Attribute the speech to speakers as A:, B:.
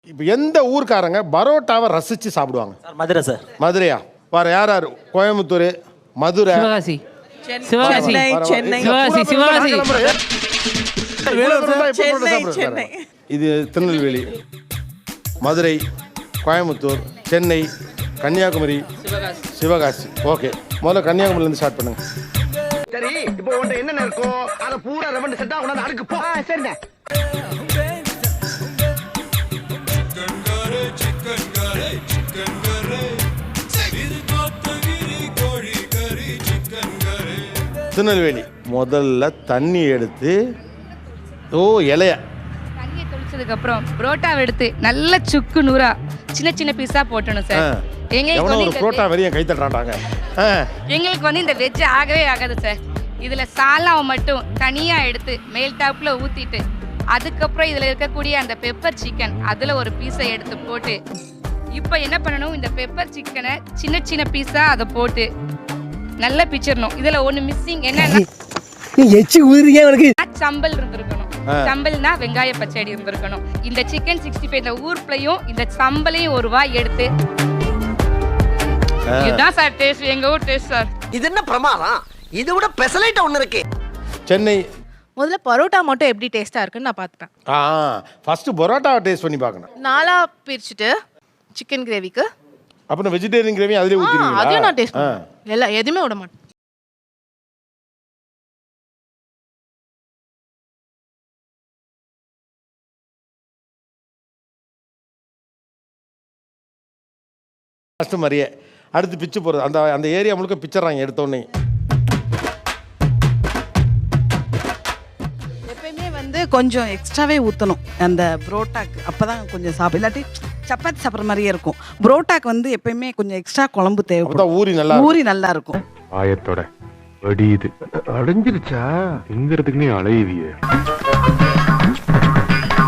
A: இப்போ எந்த ஊர்க்காரங்க பரோட்டாவை ரசித்து சாப்பிடுவாங்க?
B: Sir Madurai sir.
A: மதுரையா? வேறு யார் யார்? கோயம்புத்தூர், மதுரை,
C: சிவகாசி, சிவகாசி,
D: சென்னை,
C: சிவகாசி, சிவகாசி,
D: சென்னை.
A: இது திருநெல்வேலி, மதுரை, கோயம்புத்தூர், சென்னை, கன்னியாகுமரி, சிவகாசி. ஓகே, முதல்ல கன்னியாகுமரியிலேருந்து ஸ்டார்ட் பண்ணுங்க.
E: சரி, இப்போ உன்ட்ட என்னென்ன இருக்கோ அதை பூரா ரெவண்ட் செட்டா கொண்டாந்து அடுக்கு போ. சரிண்ணே.
A: திருநெல்வேலி முதல்ல தண்ணி எடுத்து இலைய
F: தண்ணியை தொளிச்சதுக்கு அப்புறம் புரோட்டாவை எடுத்து நல்ல சுக்கு நூறா சின்ன சின்ன பீஸா போட்டணும் சார்.
A: எவனோ ஒரு புரோட்டா வெறிய கை தட்டுறாங்க.
F: எங்களுக்கு வந்து இந்த வெஜ் ஆகவே ஆகாது சார். இதுல சாலாவை மட்டும் தனியா எடுத்து மேல் டாப்ல ஊத்திட்டு அதுக்கப்புறம் இதுல இருக்கக்கூடிய அந்த பெப்பர் சிக்கன் அதுல ஒரு பீஸை எடுத்து போட்டு இப்போ என்ன பண்ணணும், இந்த பெப்பர் சிக்கனை சின்ன சின்ன பீஸா அதை போட்டு நல்லா பிச்சிடணும். இதுல ஒண்ணு மிஸ்ஸிங் என்னன்னா சம்பல் இருந்திருக்கணும். சம்பல்னா வெங்காய பச்சடி இருந்திருக்கணும். இந்த சிக்கன் 65 இந்த ஊர்லயும் இந்த சம்பலையும் ஒரு வாய் எடுத்து இதுதான் சார் டேஸ்ட், எங்க ஊர் டேஸ்ட் சார்.
E: இது என்ன பிரமாதம்? இது விட பெசலைட் ஒன்னு இருக்கு.
A: சென்னை
D: முதல்ல பரோட்டா மட்டும் எப்படி டேஸ்டா இருக்குன்னு நான் பார்த்துட்டேன்.
A: ஃபர்ஸ்ட் பரோட்டாவை டேஸ்ட் பண்ணி பார்க்கணும்.
D: நாலா பிரிச்சுட்டு சிக்கன் கிரேவிக்கு
A: அப்புறம் வெஜிடேரியன் கிரேவி அதிலே ஊத்திடுவீங்களா?
D: அதையும் நான் டேஸ்ட் பண்ணுவேன். எல்லாம் எதுவுமே விட மாட்டேன்.
A: ஃபர்ஸ்ட் மாதிரியே அடுத்து பிச்சு போகிறது. அந்த அந்த ஏரியா முழுக்க பிச்சர்றாங்க எடுத்தோடனே.
G: எப்பயுமே வந்து கொஞ்சம் எக்ஸ்ட்ராவே ஊற்றணும் அந்த புரோட்டாக்கு, அப்போ தான் கொஞ்சம் சாப்பிடும். இல்லாட்டி சப்பாத்தி சாப்பிட்ற மாதிரியே இருக்கும். புரோட்டாக்கு வந்து எப்பயுமே கொஞ்சம் எக்ஸ்ட்ரா குழம்பு தேவைப்படும். ஊறி நல்லா இருக்கும்.
H: ஆயத்தோட வடியுது அடைஞ்சிருச்சா எங்கிறதுக்குன்னே அலையுதியே.